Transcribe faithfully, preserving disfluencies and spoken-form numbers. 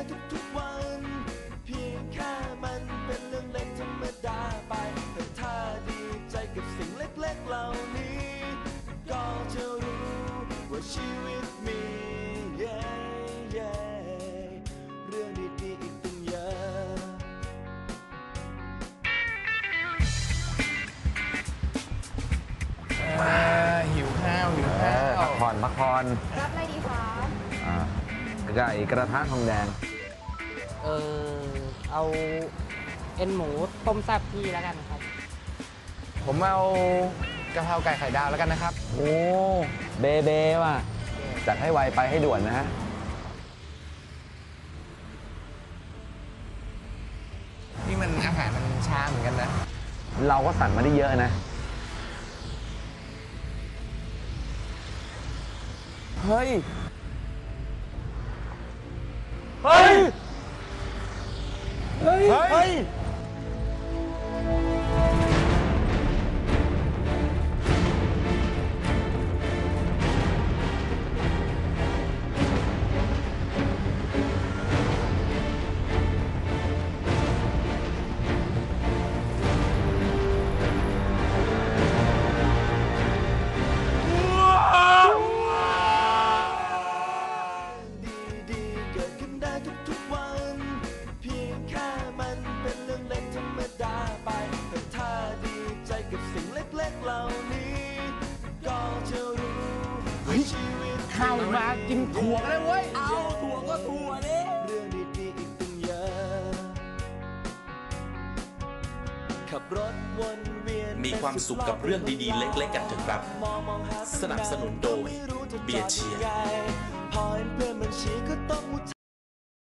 ทุกๆวันเพียงแค่มันเป็นเรื่องเล็กธรรมดาไปแต่ถ้าดีใจกับสิ่งเล็กๆเหล่านี้ก็จะรู้ว่าชีวิตมี yeah, yeah เรื่องดีๆอีกตั้งเยอะหิวข้าวหิวข้าวพักผ่อนพักผ่อนรับอะไรดีคะอ่าไก่กระทะทองแดงเออเอาเอ็นหมูต้มแซ่บพี่แล้วกันครับผมเอากะเพราไก่ไข่ดาวแล้วกันนะครับโอ้เบเบว่ะจัดให้ไวไปให้ด่วนนะฮะนี่มันอาหารมันช้าเหมือนกันนะเราก็สั่งมาได้เยอะนะ เฮ้ย เฮ้ย เฮ้ย เฮ้ยดีๆเกิดขึ้นได้ทุกๆวันเพียงแค่มันเป็นเรื่องเล็กธรรมดาไปแต่ถ้าดีใจกับสิ่งเล็กๆเหล่านี้ก็จะรู้ว่าชีวิตข้าวมากินถั่วกันเลยเว้ยเอาถั่วก็ถั่วนี่เรื่องดีๆอีกตั้งเยอะขับรถวนเวียนมีความสุขกับเรื่องดีๆเล็กๆกันเถอะครับ สนับสนุนโดยเบียร์เชียร์